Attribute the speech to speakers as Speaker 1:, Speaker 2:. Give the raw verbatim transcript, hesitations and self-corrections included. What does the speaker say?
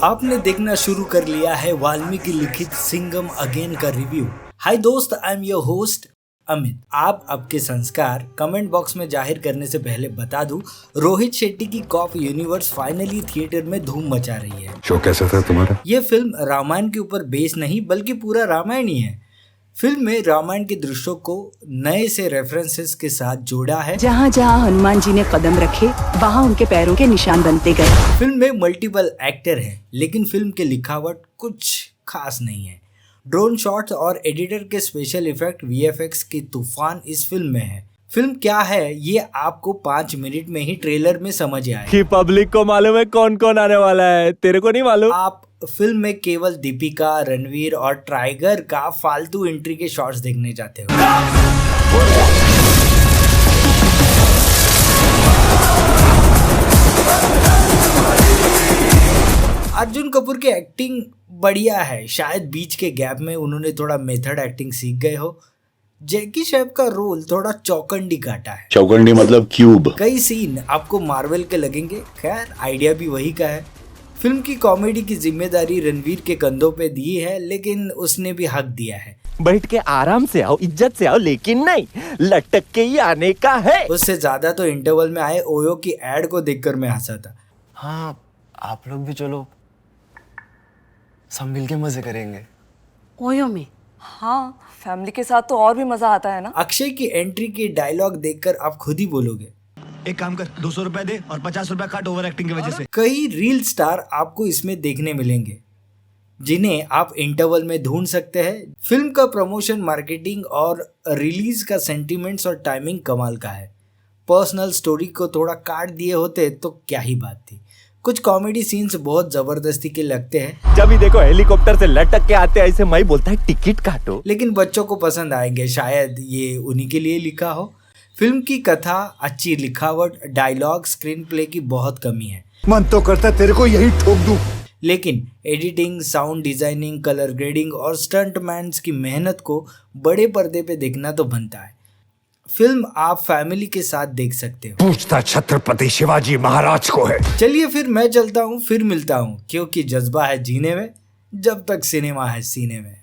Speaker 1: आपने देखना शुरू कर लिया है वाल्मीकि लिखित सिंघम अगेन का रिव्यू। हाय दोस्त, I am your host Amit. आप आपके संस्कार कमेंट बॉक्स में जाहिर करने से पहले बता दूं, रोहित शेट्टी की कॉप यूनिवर्स फाइनली थिएटर में धूम मचा रही है।
Speaker 2: शो कैसा था तुम्हारा?
Speaker 1: ये फिल्म रामायण के ऊपर बेस नहीं बल्कि पूरा रामायण ही है। फिल्म में रामायण के दृश्यों को नए से रेफरेंसेस के साथ जोड़ा है।
Speaker 3: जहाँ जहाँ हनुमान जी ने कदम रखे वहाँ उनके पैरों के निशान बनते गए।
Speaker 1: फिल्म में मल्टीपल एक्टर हैं, लेकिन फिल्म के लिखावट कुछ खास नहीं है। ड्रोन शॉट्स और एडिटर के स्पेशल इफेक्ट वीएफएक्स की तूफान इस फिल्म में है। फिल्म क्या है ये आपको पाँच मिनट में ही ट्रेलर में समझ आए
Speaker 4: कि पब्लिक को मालूम है कौन कौन आने वाला है, तेरे को नहीं मालूम।
Speaker 1: आप फिल्म में केवल दीपिका, रणवीर और टाइगर का फालतू एंट्री के शॉट्स देखने जाते हो। अर्जुन कपूर की एक्टिंग बढ़िया है, शायद बीच के गैप में उन्होंने थोड़ा मेथड एक्टिंग सीख गए हो। जैकी श्रॉफ का रोल थोड़ा चौकंडी काटा है।
Speaker 2: चौकंडी मतलब क्यूब।
Speaker 1: कई सीन आपको मार्वल के लगेंगे, खैर आइडिया भी वही का है। फिल्म की कॉमेडी की जिम्मेदारी रणवीर के कंधों पे दी है, लेकिन उसने भी हक दिया है।
Speaker 4: बैठ के आराम से आओ, इज्जत से आओ, लेकिन नहीं लटक के ही आने का है।
Speaker 1: उससे ज्यादा तो इंटरवल में आए ओयो की एड को देखकर मैं हंसा था।
Speaker 5: हाँ, आप लोग भी चलो, सब मिलके मजे करेंगे।
Speaker 6: ओयो में? हाँ, फैमिली के साथ तो और भी मजा आता है ना।
Speaker 1: अक्षय की एंट्री की डायलॉग देखकर आप खुद ही बोलोगे,
Speaker 7: एक काम कर, दो सौ रुपए दे और पचास रुपए काट ओवर एक्टिंग की वजह से।
Speaker 1: कई रील स्टार आपको इसमें देखने मिलेंगे जिन्हें आप इंटरवल में ढूंढ सकते हैं। फिल्म का प्रमोशन, मार्केटिंग और रिलीज का सेंटिमेंट्स और टाइमिंग कमाल का है। पर्सनल स्टोरी को थोड़ा काट दिए होते तो क्या ही बात थी। कुछ कॉमेडी सीन्स बहुत जबरदस्ती के लगते हैं।
Speaker 4: जब भी देखो हेलीकॉप्टर से लटक के आते ऐसे मई बोलता है टिकट काटो,
Speaker 1: लेकिन बच्चों को पसंद आएंगे, शायद ये उन्हीं के लिए लिखा हो। फिल्म की कथा, अच्छी लिखावट, डायलॉग, स्क्रीन प्ले की बहुत कमी है।
Speaker 2: मन तो करता तेरे को यही ठोक दूं।
Speaker 1: लेकिन editing, sound designing, colour grading और स्टंटमैन्स की मेहनत को बड़े पर्दे पे देखना तो बनता है। फिल्म आप फैमिली के साथ देख सकते हो।
Speaker 2: पूछता छत्रपति शिवाजी महाराज को है।
Speaker 1: चलिए फिर मैं चलता हूँ, फिर मिलता हूँ, क्योंकि जज्बा है जीने में जब तक सिनेमा है सीने में।